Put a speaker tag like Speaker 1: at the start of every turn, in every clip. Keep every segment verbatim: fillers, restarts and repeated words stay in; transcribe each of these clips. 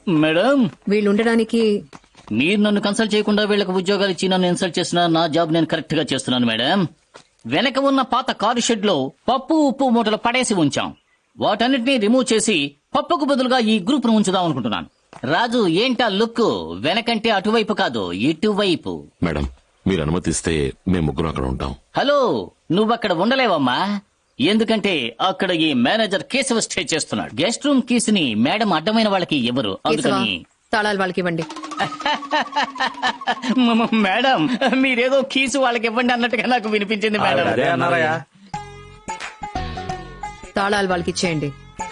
Speaker 1: Madam
Speaker 2: వీళ్ళు ఉండడానికి
Speaker 1: మీరు నన్ను కన్సల్ట్ చేయకుండా వీళ్ళకి ఉద్యోగాలు ఇచ్చి నన్ను ఇన్సల్ట్ చేసిన నా జాబ్ నేను కరెక్ట్ గా చేస్తున్నాను మేడం. వెనక ఉన్న పాత కారు షెడ్ లో పప్పు ఉప్పు మూటలు పడేసి ఉంచాం. వాటన్నిటినీ రిమూవ్ చేసి పప్పుకు బదులుగా ఈ గ్రూప్ ను ఉంచుదాం అనుకుంటున్నాను. రాజు ఏంటా లుక్? వెనకంటే అటువైపు కాదు ఇటువైపు.
Speaker 3: మేడం మీరు అనుమతిస్తే మేము ముగ్గురు అక్కడ ఉంటాం.
Speaker 1: హలో, నువ్వక్కడ ఉండలేవమ్మా. ఎందుకంటే అక్కడ ఈ మేనేజర్ కేశవ స్టే చేస్తున్నాడు. గెస్ట్ రూమ్ కీస్ ని మేడం అడ్డమైన వాళ్ళకి ఇవ్వరు. అందుకని
Speaker 2: తాళాలు వాళ్ళకి ఇవ్వండి.
Speaker 1: మేడం మీరేదో కీసు వాళ్ళకి ఇవ్వండి అన్నట్టుగా నాకు వినిపించింది మేడం.
Speaker 2: తాళాలు వాళ్ళకి ఇచ్చేయండి.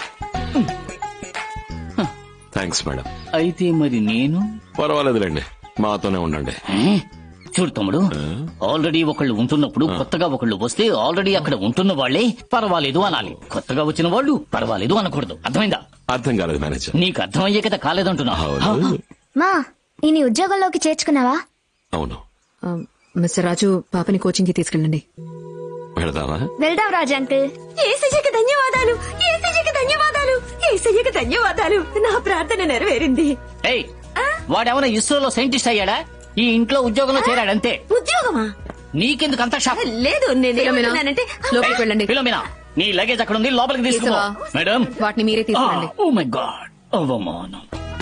Speaker 3: Thanks madam.
Speaker 1: అయితే మరి నేను
Speaker 3: పర్వాలేదులేండి, మాతోనే ఉండండి.
Speaker 1: చూడు తమ్ముడు, ఆల్రెడీ ఒకళ్ళు ఉంటున్నప్పుడు కొత్తగా ఒకళ్ళు వస్తే ఆల్రెడీ అక్కడ ఉంటున్న వాళ్లే పర్వాలేదు అనాలి. కొత్తగా వచ్చిన వాళ్ళు పర్వాలేదు అనకూడదు. అర్థమైందా?
Speaker 3: అర్థం కాలేదు మేనేజర్.
Speaker 1: నీకు అర్థమయ్యే కదా కాలేదంటున్నా.
Speaker 4: మా ఈ నీ ఉద్యోగంలోకి చేర్చుకున్నావా?
Speaker 3: అవును.
Speaker 2: ఆ, మిస్టర్ రాజు పాపని కోచింగ్ కి తీసుకెళ్ళండి.
Speaker 3: వెళదామా?
Speaker 4: వెళ్దాం రాజు అంకుల్.
Speaker 5: ఏసయ్యకి ధన్యవాదాలు, ఏసయ్యకి ధన్యవాదాలు, ఏసయ్యకి ధన్యవాదాలు. నా ప్రార్థన నెరవేరింది.
Speaker 1: ఏయ్, వాడేమన్నా ఇస్రోలో సైంటిస్ట్ అయ్యాడా? ఈ ఇంట్లో ఉద్యోగంలో చేరాడంతే.
Speaker 5: ఉద్యోగమా?
Speaker 1: నీకెందుకు అంత షాక్?
Speaker 5: లేదు, నేనేమంటున్నానంటే
Speaker 2: లోపలికి వెళ్ళండి.
Speaker 1: ఫిలోమినా, నీ లగేజ్ అక్కడ ఉంది, లోపలికి తీసుకో.
Speaker 2: కేశవా,
Speaker 1: మేడం
Speaker 2: వాటిని మీరే తీసుకెళ్ళండి.
Speaker 1: ఓ మై గాడ్, అవమానం.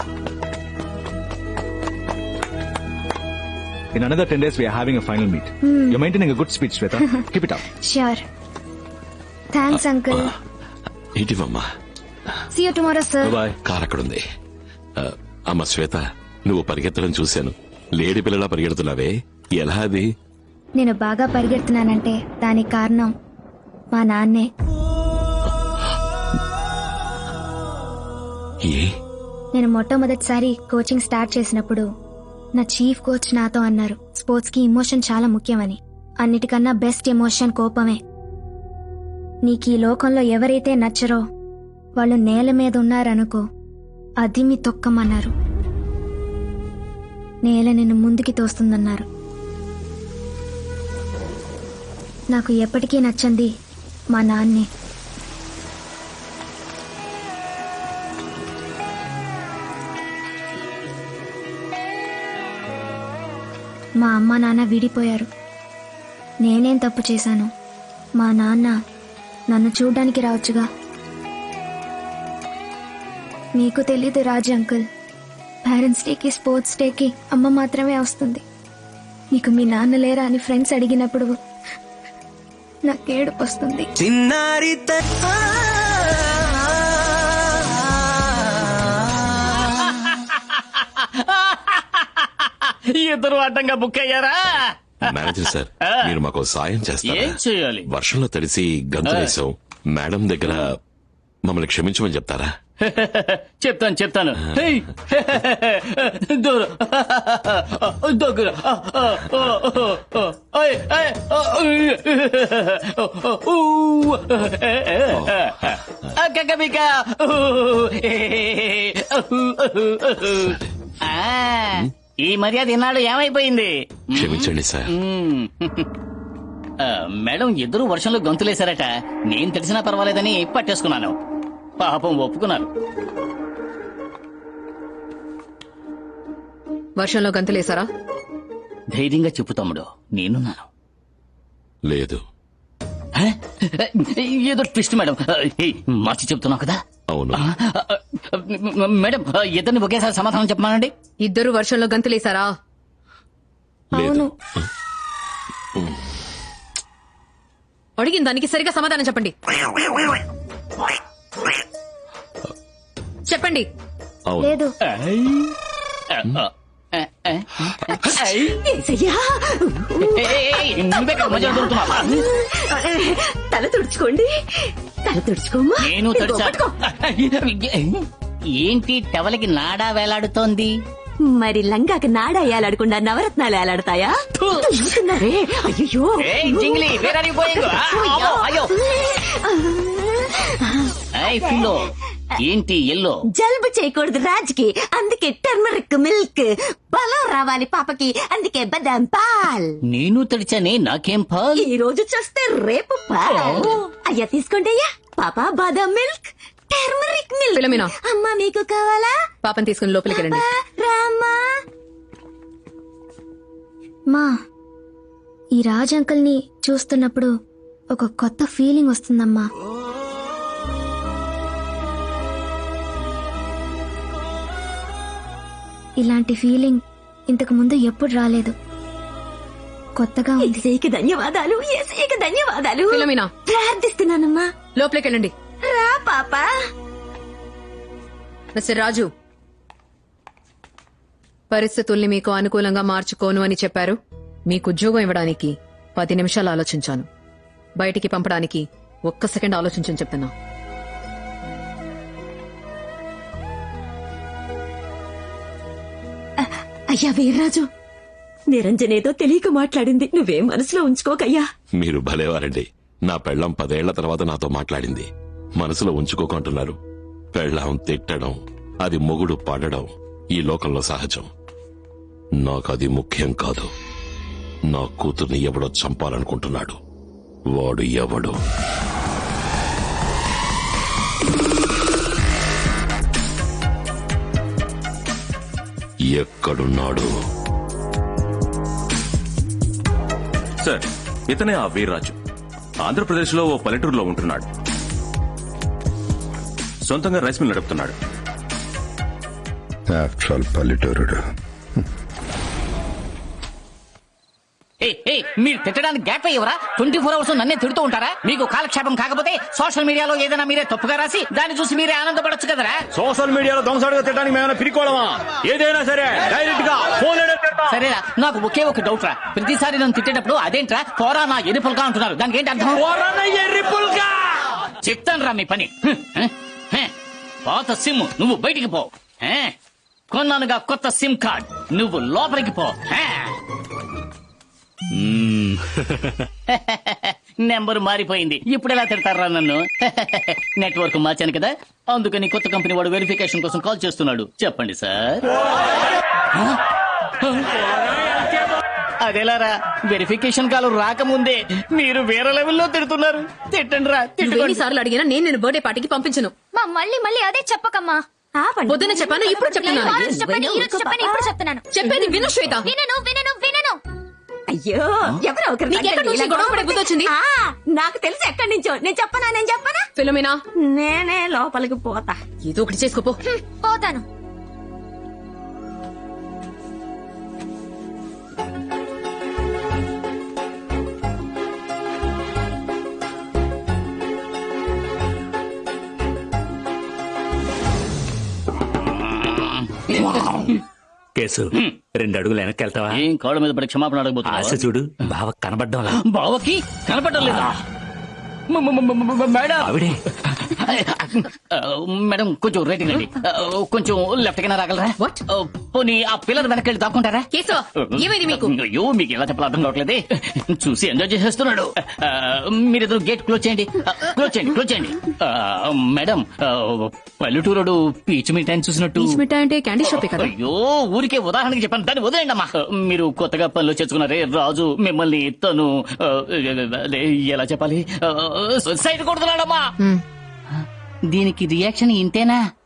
Speaker 6: In another ten days, we are having a final meet. Hmm. You're maintaining a good speech, Shweta. Keep it up.
Speaker 4: Sure. Thanks, uncle.
Speaker 3: ఇటీవమ్మా.
Speaker 4: See you tomorrow, sir.
Speaker 6: Bye.
Speaker 3: Car అక్కడుంది. ఆ, అమ్మ శ్వేత, నువ్వు పరిగెత్తడం చూశాను. Lady పిల్లలా పరిగెడుతున్నావే, ఎలా అది?
Speaker 4: నేను బాగా పరిగెడుతున్నానంటే దానికి కారణం మా నాన్నే.
Speaker 3: ఏ
Speaker 4: నేను మొట్టమొదటిసారి కోచింగ్ స్టార్ట్ చేసినప్పుడు నా చీఫ్ కోచ్ నాతో అన్నారు, స్పోర్ట్స్ కి ఇమోషన్ చాలా ముఖ్యమని. అన్నిటికన్నా బెస్ట్ ఎమోషన్ కోపమే. నీకు ఈ లోకంలో ఎవరైతే నచ్చరో వాళ్ళు నేల మీద ఉన్నారనుకో, అది మీ తొక్కమన్నారు. నేల నిన్ను ముందుకి తోస్తుందన్నారు. నాకు ఎప్పటికీ నచ్చంది మా నాన్నే. మా అమ్మ నాన్న విడిపోయారు. నేనేం తప్పు చేశాను? మా నాన్న నన్ను చూడ్డానికి రావచ్చుగా. మీకు తెలీదు రాజు అంకుల్, పేరెంట్స్ డేకి స్పోర్ట్స్ డేకి అమ్మ మాత్రమే వస్తుంది. నీకు మీ నాన్న లేరా అని ఫ్రెండ్స్ అడిగినప్పుడు నాకు ఏడుపు వస్తుంది.
Speaker 1: ఇద్దరు అడ్డంగా బుక్ అయ్యారా?
Speaker 3: మేనేజర్ సార్, మీరు మాకు సాయం చేస్తారా?
Speaker 1: ఏం చేయాలి?
Speaker 3: వర్షంలో తడిసి గంతులేసాం. మేడం దగ్గర మమ్మల్ని క్షమించమని చెప్తారా?
Speaker 1: చెప్తాను చెప్తాను. హేయ్, దూరం, దగ్గర, ఓయ్, ఏయ్, ఊ, కకబిక, ఆ, ఈ మర్యాద ఈనాడు ఏమైపోయింది?
Speaker 3: క్షమించండి సార్.
Speaker 1: ఆ, మేడం ఇద్దరు వర్షంలో గొంతులేశారట. నేను తెలిసినా పర్వాలేదని పట్టేసుకున్నాను. పాపం ఒప్పుకున్నారు.
Speaker 2: వర్షంలో గంతులేసారా?
Speaker 1: ధైర్యంగా చెప్పు తమ్ముడు, నేనున్నాను.
Speaker 3: లేదు.
Speaker 1: హ? ఏదో ట్విస్ట్ మేడం. ఏయ్, మార్చి చెప్తున్నావు కదా.
Speaker 3: అవును.
Speaker 1: మేడం ఇద్దరిని ఒకేసారి సమాధానం చెప్పమానండి.
Speaker 2: ఇద్దరు వర్షంలో గంతులేసారా?
Speaker 3: లేదు.
Speaker 2: అడిగిన దానికి సరిగా సమాధానం చెప్పండి. చెప్పండి.
Speaker 3: అవును.
Speaker 4: లేదు.
Speaker 5: ఏసయ్యా,
Speaker 1: నువ్వే కదా మధ్యలో దొరుకుతున్నావా?
Speaker 5: తల తుడుచుకోండి, తల తుడుచుకోమ్మా.
Speaker 1: నేను
Speaker 5: ఇదిగో పట్టుకో.
Speaker 1: ఏంటి టవలకి నాడా వేలాడుతోంది?
Speaker 5: మరి లంగాకి నాడ ఏలాడకుండా నవరత్నాలు ఏలాడతాయా? చూస్తున్నారే, అయ్యో.
Speaker 1: జింగిలి అయ్యో. ఫిలో ఏంటి ఎల్లో?
Speaker 5: జలుబు చేయకూడదు రాజుకి, అందుకే టర్మరిక్ మిల్క్. బలం రావాలి పాపకి, అందుకే బదాం పాల్.
Speaker 1: నేను తడిచానే, నాకేం పాల్?
Speaker 5: ఈ రోజు చూస్తే రేపు పాల్. అయ్యా తీసుకోండి అయ్యా. పాప బాదం మిల్క్, టర్మరిక్ మిల్క్
Speaker 2: ఫిలోమినా.
Speaker 5: అమ్మా మీకు కావాలా
Speaker 2: పాపని తీసుకుని లోపలికి వెళ్ళండి.
Speaker 5: రామ్మా.
Speaker 4: మా ఈ రాజ్ అంకుల్ని చూస్తున్నప్పుడు ఒక కొత్త ఫీలింగ్ వస్తుందమ్మా. ఇలాంటి ఫీలింగ్ ఇంతకు ముందు ఎప్పుడు రాలేదు. కొత్తగా ఉంది.
Speaker 5: ఏసీకి ధన్యవాదాలు, ఏసీకి ధన్యవాదాలు.
Speaker 2: ఫిలోమినా.
Speaker 5: ప్రార్థిస్తున్నానమ్మా.
Speaker 2: లోపలికి వెళ్ళండి.
Speaker 5: రా పాపా.
Speaker 2: మిస్టర్ రాజు, పరిస్థితుల్ని మీకు అనుకూలంగా మార్చుకోను అని చెప్పారు. మీకు ఉద్యోగం ఇవ్వడానికి పది నిమిషాలు ఆలోచించాను. బయటికి పంపడానికి ఒక్క సెకండ్ ఆలోచించని చెప్తున్నా.
Speaker 5: అయ్యా వీర్రాజు, నిరంజనేదో తెలియక మాట్లాడింది. నువ్వేం మనసులో ఉంచుకోకయ్యా.
Speaker 3: మీరు భలేవారండి. నా పెళ్ళం పదేళ్ల తర్వాత నాతో మాట్లాడింది. మనసులో ఉంచుకోకుంటున్నారు. పెళ్ళం తిట్టడం, అది మొగుడు పడడం ఈ లోకంలో సహజం. నాకది ముఖ్యం కాదు. నా కూతుర్ని ఎవడో చంపాలనుకుంటున్నాడు. వాడు ఎవడు? ఎక్కడున్నాడు?
Speaker 7: సార్, ఇతనే ఆ వీర్రాజు. ఆంధ్రప్రదేశ్ లో ఓ పల్లెటూరులో ఉంటున్నాడు. సొంతంగా రైస్ మిల్ నడుపుతున్నాడు.
Speaker 8: ఆఫ్టర్ ఆల్ పల్లెటూరుడు.
Speaker 1: ఏయ్, ఏయ్, మీరు తిట్టడానికి గ్యాప్ అయ్యవరా? ట్వంటీ ఫోర్ అవర్స్ నన్నే తిడుతూ ఉంటారా? మీకు కాలక్షేపం కాకపోతే సోషల్ మీడియాలో ఏదైనా మీరే తప్పుగా రాసి దాన్ని చూసి మీరే ఆనందపడొచ్చు కదరా?
Speaker 6: సోషల్ మీడియాలో దొంగసాడుగా తిట్టడానికి మేమైనా పిరికోవడమా? ఏదైనా సరే డైరెక్ట్ గా ఫోన్
Speaker 1: సరేరా, నాకు ఒకే ఒక డౌట్ రా. ప్రతిసారి నన్ను తిట్టేటప్పుడు అదేంట్రా పోరా నా ఎరుపులుగా అంటున్నారు. దానికి ఏంటి అర్థం? చెప్తాను రా మీ పని. హ్మ్, హ్మ్, హ్మ్. పాత సిమ్ నువ్వు బయటికి పో. హ్మ్. కొన్నానుగా కొత్త సిమ్ కార్డ్, నువ్వు లోపలికి పో. హ్మ్. నెంబర్ మారిపోయింది. ఇప్పుడు ఎలా తిడతారా నన్ను? నెట్వర్క్ మార్చాను కదా, అందుకని కొత్త కంపెనీ వాడు వెరిఫికేషన్ కోసం కాల్ చేస్తున్నాడు. చెప్పండి సార్. అదేలారా, వెరిఫికేషన్ కాల్ రాకముందే మీరు వేరే లెవెల్లో తిడుతున్నారు. తిట్టండి రా, తిట్టుకోండి.
Speaker 2: ఎన్నిసార్లు అడిగినా నేను నేను బర్త్డే పార్టీకి పంపించను.
Speaker 4: మా మళ్ళీ మళ్ళీ అదే చెప్పకమ్మా.
Speaker 2: పొద్దున చెప్పాను, ఇప్పుడు చెప్తున్నాను.
Speaker 4: ఆ రోజు చెప్పాను, ఈ రోజు చెప్పాను, ఇప్పుడు చెప్తున్నాను.
Speaker 2: చెప్పేది విను శ్వేత.
Speaker 4: వినను వినను వినను.
Speaker 5: అయ్యో, ఎవరో ఒకరు
Speaker 2: నీకు ఎక్కడి నుంచి గొడవ పడే బుద్ధి వచ్చింది?
Speaker 5: ఆ, నాకు తెలుసు ఎక్కడి నుంచో. నేను చెప్పనా నేను చెప్పనా
Speaker 2: ఫిలోమినా,
Speaker 5: నేనే లోపలికి పోతా.
Speaker 2: ఏదో ఒకటి చేసుకోపో.
Speaker 4: హ్మ్, పోతాను.
Speaker 9: కేసు రెండు అడుగులు వెనక్కి వెళ్తావా?
Speaker 1: ఏం కాళ్ళ మీద పడి క్షమాపణ
Speaker 9: ఆశ
Speaker 1: అడగబోతున్నా?
Speaker 9: చూడు, బావ కనబడ్డం
Speaker 1: బావకి కనపడడం లేదా? మ- మ- మ- మ- మ- మేడం
Speaker 9: ఆవిడే.
Speaker 1: ఆ, మేడం కొంచెం రేటింగ్ అండి. ఆ, కొంచెం లెఫ్ట్ కైనా రాగలరా?
Speaker 2: What?
Speaker 1: ఆ, పోనీ ఆ పిల్లర్ వెనకెళ్ళి దాక్కుంటారా?
Speaker 2: కేశవ, ఏమైంది మీకు?
Speaker 1: అయ్యో, మీకు ఎలా చెప్పాలో అర్థం కావట్లేదే. చూసి ఎంజాయ్ చేసేస్తున్నాడు. ఆ, మీరిద్దరు గేట్ క్లోజ్ చేయండి. ఆ, క్లోజ్ చేయండి, క్లోజ్ చేయండి. ఆ, మేడం, ఆ, పల్లెటూరుడు పీచు మిఠాయిని చూసినట్టు.
Speaker 2: పీచ్ మిఠాయి అంటే క్యాండీ షాపే కదా.
Speaker 1: అయ్యో, ఊరికే ఉదాహరణకి చెప్పాను, దాన్ని వదిలేండి అమ్మా. మీరు కొత్తగా పనిలో చేర్చుకున్నారే రాజు, మిమ్మల్ని తను ఆ, అదే, ఎలా చెప్పాలి, ఆ, సైడ్ కొడుతున్నాడమ్మా.
Speaker 2: హ్మ్.
Speaker 1: దీనికి రియాక్షన్ ఇంతేనా?